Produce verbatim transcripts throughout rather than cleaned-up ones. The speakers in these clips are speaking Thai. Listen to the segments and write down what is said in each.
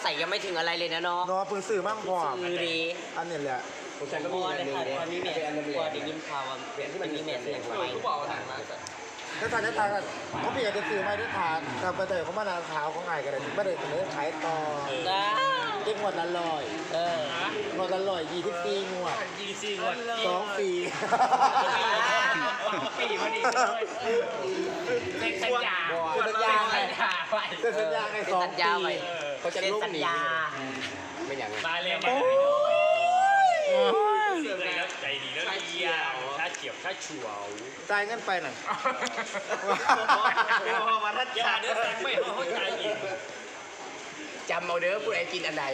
ส่ยังไม่ถึงอะไรเลยนะเนาะเนาะเพิ่งซื้อมั่งพอซื้อดีอันนี้แหละผมฉันก็มีอันนึงเนี่ยมีแม่เป็นอันนึงพอได้ยินข่าวว่าที่มันมีแม่เสียงไปทุกบอกหนังมาสัตว์ถ้าทานได้ทานกันเขาเปลี่ยนจะซื้อไม่ได้ทานแต่ไปเตยเขามานานเท้าเขาไงกันเลยไม่ได้เสนอขายต่อนะเก็บหมดละลอยเออหมดละลอยยี่สิบสี่งวดยี่สี่งวดสองปีปีพอดีเซ็นสัญญาเซ็นสัญญาไงไว้เซ็นสัญญาไงสองปีเขาจะเซ็นลูกสัญหนีญาไม่อย่างนั้นมาเลยมาเสื่อมเลยแล้วใจดีแล้วเดียวถ้าเฉียบถ้าฉวจ่ายเงินไปหน่อยมาทัดยาเนื้อแตกไม่เข้าใจอีกจำเอาเด้อผู้ใดกินอันไหน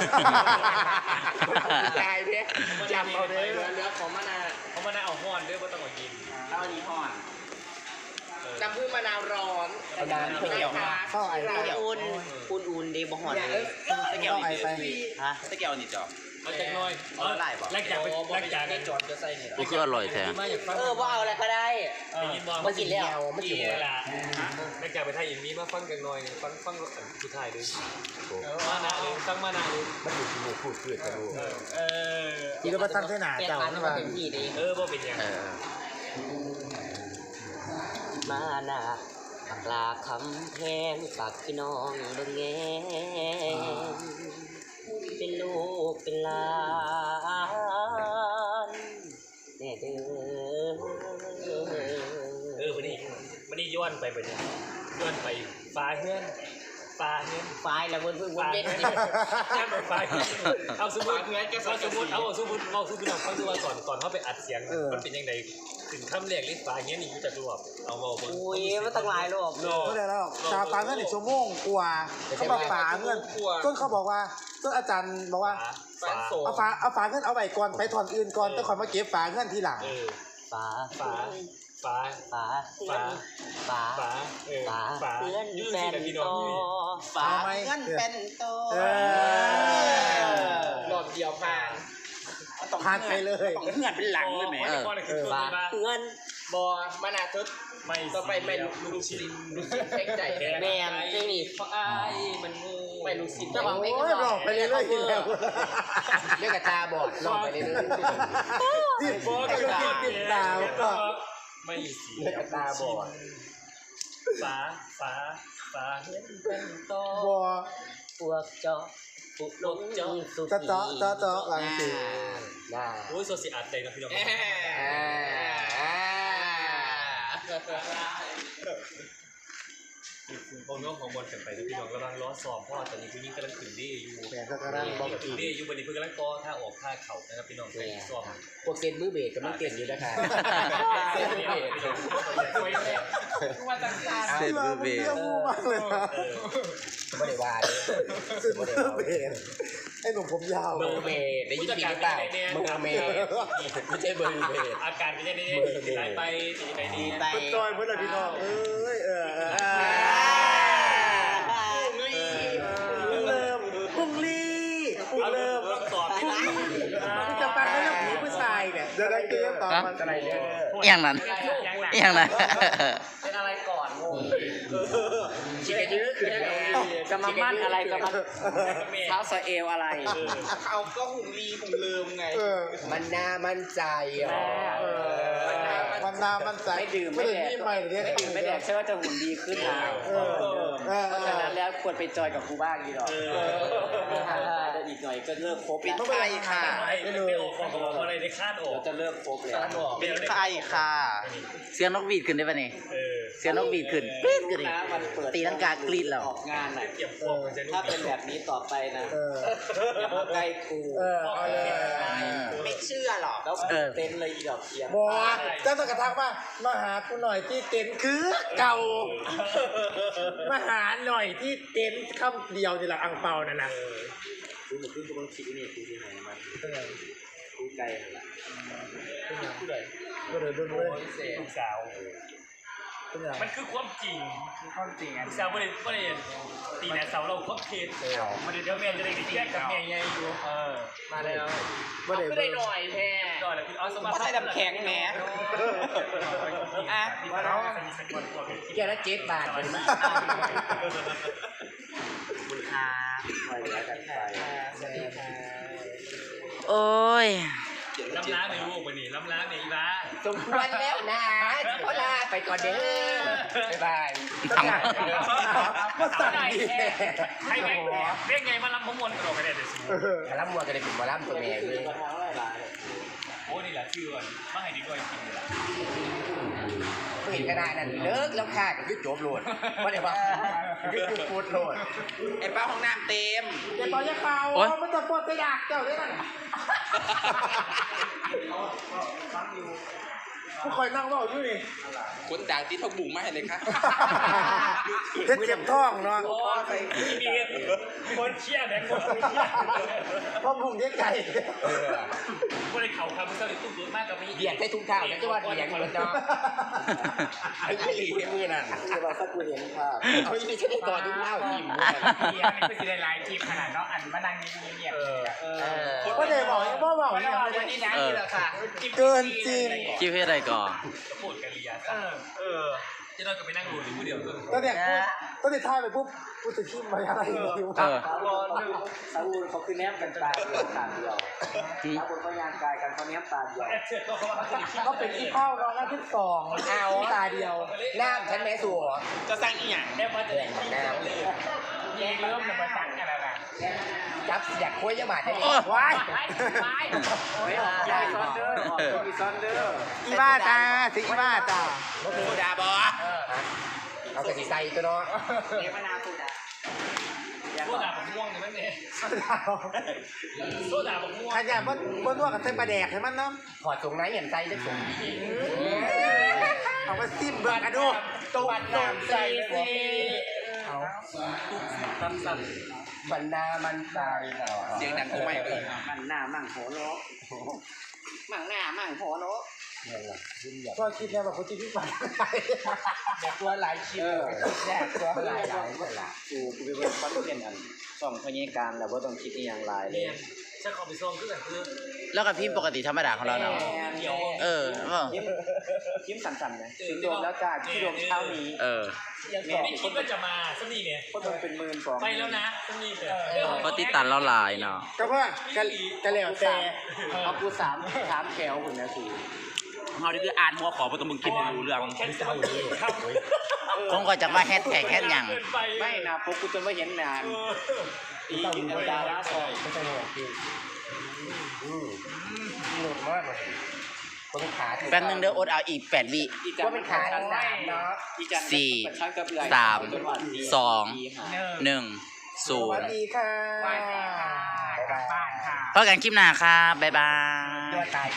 ตายเนี่ยจำเอาเด้อเนื้อของมะนาวเขามาได้เอาห้อนด้วยว่าต้องมากินเอาอันนี้ห่อนจำพึ่งมะนาวร้อนมะนาวเขียวเข้าไอ้ไปอุ่นอุ่นอุ่นดีบ่ห่อนเลยเข้าไอ้ไปฮะตะเกียวนี่จอบเอาจากน้อยแลกจากไปแลกจากจอดจะใส่เนี่ยนี่คืออร่อยแท้มาจากฟังเออว่าเอาอะไรก็ได้ได้ยินบอลมากินแล้วไม่กินเวลาแลกจากไปไทยอินมีมาฟังจากน้อยฟังฟังสุดท้ายเลยมานาเลยฟังมานาเลยมันอยู่ที่หมู่พูดเพื่อนกันรู้เอออีกแล้วมาตั้งเส้นหนาเปลี่ยนเจ้าร้านใช่มาป่ะเต็มที่ดีเออบ่เป็นยังเออมานาปากลาคำแพงฝากพี่น้องเบิ่งแงเป็นลูกเป็นหลานแน่เด้อเออวันนี้วันนี้ย้อนไปไปเนี่ยย้อนไปฟ้าเฮือนฟ้าเฮือนไฟละเพิ่นเพิ่งวนฟ้าเวียนเฮือนย้อนไปฟ้าเฮือนเอาสมมติเอาสมมติเอาสมมติเอาสมมติเราฟังดูว่าก่อนก่อนเขาไปอัดเสียงมันเป็นยังไงถึงคำแรกลิฟ้าเฮือนนี่อยู่จากรวบเอามาบอกอุ้ยมันตั้งหลายรอบโลไม่ได้แล้วชาวปาเงินอีกชั่วโมงกว่าเขามาฝาเงินจนเขาบอกว่าจนอาจารย์บอกว่าฟ้าเอาฝาเอาฝาเงินเอาไว้ก่อนไปถอนอื่นก่อนต้องคอยมาเก็บฝาเงินทีหลังเออฝาฟ้าฟ้าฝาฟ้าฝาฟ้าเออฝาฟ้าเพื่อนยืดแฟสินนะพี่โตน้องยืดฝาเอาไหมเงินเป็นโตเออหลอดเดียวผ่านผ่านไปเลยต้องเงื่อนเป็นหลังเลยแหมฝาเงินบอมะนาวทุดไม่ต่อไปไม่ลูกชิ้นลูกชิ้นแข็งใจแมนใช่นี่เพราะไอ้มันงูไม่ลูกชิ้นเจ้าของเพลงโอ้ยหลอกไปเรื่อยๆทีแล้วเรียกกระตาบอดลองไปเรื่อยที่ก็คือติดดาวก็ไม่สีเรียกกระตาบอดฟ้าฟ้าฟ้าเห็นเป็นโตบัวพวกเจาะปุกลงจงสุจะเจาะเจาะเจาะหลังสิน่าโอ้ยโซเซียอัดเลยนะพี่น้อง ผมน้องของบอลกันไปนะพี่น้องกำลังล้อสอบเพราะตอนนี้ผู้หญิงกำลังขึ้นดีอยู่แหวนสักการะบอกขึ้นดีอยู่วันนี้เพิ่งกำลังต่อท่าออกท่าเข่านะครับพี่น้องไปสอบพวกเซนมือเบรกกำลังเก่งอยู่นะคะเซนมือเบรกเสร็จมือเบสเรื่องมูมากเลยนะไม่ได้ว่าเลยสุดมือเบสไอ้หนุ่มผมยาวมือเบรกได้ยินผิดหรือเปล่ามือเบรกไม่ใช่มือเบรกอาการเป็นยังไงดีไหลไปดีไหนดีไปมันจอยเพื่อนเลยพี่น้องเอ้ยเออเออปุ้งเริ่มปุ้งลี่ปุ้งเริ่มต้องสอบปุ้งลี่ที่จะฟังเรื่องผีผู้ชายเนี่ยจะได้เกมต่อมันอะไรเนี่ยอย่างนั้นอย่างนั้นเป็นอะไรก่อนงงชิคกี้พายคือจะมามั่นอะไรจะมาเท้าสะเอวอะไรเขาก็หุ่นลีหุ่นเลิมไงมันน่ามั่นใจอ่ะมันนามันใจไม่ดื่มไม่ไม่ดื่มแดกนี่ใหม่เลยไม่ดื่มไม่แดกใช่ว่าจะหุ่นดีขึ้นนะเออเออเพราะฉะนั้นแล้วควรไปจอยกับครูบ้างดีหรอกเดี๋ยวอีกหน่อยก็เลิกคบปิดไม่ไปค่ะไม่เลยของของอะไรในคาดออกจะเลิกคบแล้วเป็นใครค่ะ เสียงนกหวีดขึ้นได้ปะนี่เออเสียงนกหวีดขึ้นกรี๊ดขึ้นดินะมันเปิดตีลังกากรี๊ดแล้วออกงานอ่ะเก็บของมันจะถ้าเป็นแบบนี้ต่อไปนะเอออย่ามาใกล้กูเออเอาเลยไม่เชื่อหรอกแล้วเต้นเลยอีดอกเทียนบอกเจ้าต้องกระทักว่ามาหากูหน่อยที่เต็นท์คือเก่ามาหาหน่อยที่เต็นท์คำเดียวนี่แหละอังเปานั่นนะกูเหมือนขึ้นกูต้องคิดนี่กูที่ไหนมันกูไกลละผู้ใดก็เลยดูด้วยลูกสาวเป็นอย่างมันคือความจริงความจริงอ่ะลูกสาวไม่ได้ไม่ได้ตีแนวเสาเราครบเทสมันเดี๋ยวแม่จะได้แยกกับแม่ใหญ่อยู่เออมาแล้วว่าเดี๋ยวก็ได้หน่อยแท้ก็เลยพี่อ๋อสมัครก็ใส่ดำแข็งแหมอ่ะมาแล้วแกละเจ็ดบาทเป็นไหมคุณครับโอ้ยล้ำล้างในลูกวันนี้ล้ำล้างในอีบ้าสมควรแล้วนะขอลาไปก่อนเด้อบ๊ายบายทำก็สั่งดีใครไงเรียกไงมาล้ำพมวนกระโดดกระเด็นเดี๋ยวสิมาล่ำมัวกันเลยเป็นมาล่ำตัวแม่เลยโอ้นี่แหละชื่อวันมาให้ดีกว่าจริงเลยล่ะเห็นขนาดนั้นเลิกแล้วค่ะก็คือจบโหลดว่าเดี๋ยวว่าคือคือพูดโหลดไอ้ป้าห้องน้ำเต็มเดี๋ยวตอนจะเป่ามันจะปวดจะอยากเจ้าได้ไหมผู้คอยนั่งว่าอยู่นี่คนด่างที่ทบบุ๋งมาให้เลยค่ะเจ็บเจ็บท้องเนาะโอ้ยมีคนเชี่ยแบงค์คนเชี่ยเพราะพุงเด็กไก่คนในเขาคำมันก็เลยตุ้มตุ้มมากกับมีเบียดใส่ทุ่งเท้าแล้วจะว่าเบียดเหมือนเนาะไอ้ยี่หลีมือนั่นคือว่าสักกูเห็นภาพเอาอีนี่ฉันได้ต่อทุ่งเท้าทีมเบียร์นี่คือสิได้ไลฟ์ทีมขนาดเนาะอันมานั่งเงียบๆเออก็เดี๋ยวบอกยังว่าบอกยังวันนี้นะนี่แหละค่ะเกินจริงคิดเพื่ออะไรก่อนพูดกันเรียเออเออจะเราก็ไปนั่งดูหรือผู้เดียวก็ตอนเด็กพูดตอนเด็กท่ายไปปุ๊บพูดจะขี้มาอะไรอยู่เออสาวูเขาคือแนบกันตาเดียวตาเดียวถ้าคนพยานกายกันเขาแนบตาเดียวแอดเชิดก็เขาว่าเขาจะคิดก็เป็นที่เข้ารองหน้าที่สองเอาตาเดียวน้ำฉันแม่สัวจะสั่งอีหยังแนบมาจะได้คิดน้แยกเริ่มจะมาตั้งกันแล้วนะำจับเสียกคุยยาบาดได้ดิว้ายไปไปยายซอนเดอร์อีซอนเดอร์อีบ้าตาสิอีบ้าตาโซดาบอเอากระสีใส่ตัวเนาะเนมนาสุดาโซดาบักม่วงเนี่ยมันเนี่ยโซดาบักม่วงขยันบนบนนวดกับเส้นปลาแดกให้มันเนาะถอดทรงไหนเห็นใส่ได้ทรงดีเอามาซิมเบิร์กอะดูตัวน้ำใส่สิเอาสั้นบรรณามันตายเสียงดังกูไม่เลยมันหน้ามั่งหัวโลมั่งหน้ามั่งหัวโลก็คิดแล้วแบบคนที่พี่ฝันเด็กตัวหลายชิ้นแรกตัวหลายหลายหลายกูกูเป็นคนเรียนอันส่องพยาการแล้วว่าต้องคิดอีกอย่างไรๆเลเนี่ย ยฉันขอไปซองคือแบบคือแล้วกับพิมพ์ปกติธรรมดาของเราเนาะเดียวเออเออยิ้มสั่นๆนะถึงรวมแล้วจ้าที่รวมเช้านี้เออไม่คิดว่าจะมาสักนี่เนี่ยก็ต้องเป็นหมื่นสองไปแล้วนะสักนี่เนี่ยก็ติดตันเราหลายเนาะก็ว่ากะกะเหลี่ยวแต่เอากูสามสามแถวคุณนะสูเราดิคืออ่านหัวขอเพราะต้องมึงคิดรู้เรื่องแค่เศร้าเลยครับผมก็จะมาแฮชแท็กแฮชหยังไม่นะพวกกูจนไม่เห็นนานอีอินดาราสองไม่ใช่หรอกพี่หลุดมากเลยคนขาแป๊บนึงเดี๋ยวอดเอาอีกแปดวิว่าเป็นขาสามเนาะสี่สามสองหนึ่งศูสวัน สย์ดีค่ะกลับบ้านค่ะพบกันคลิปหน้าครับบ๊ายบายตัวตาย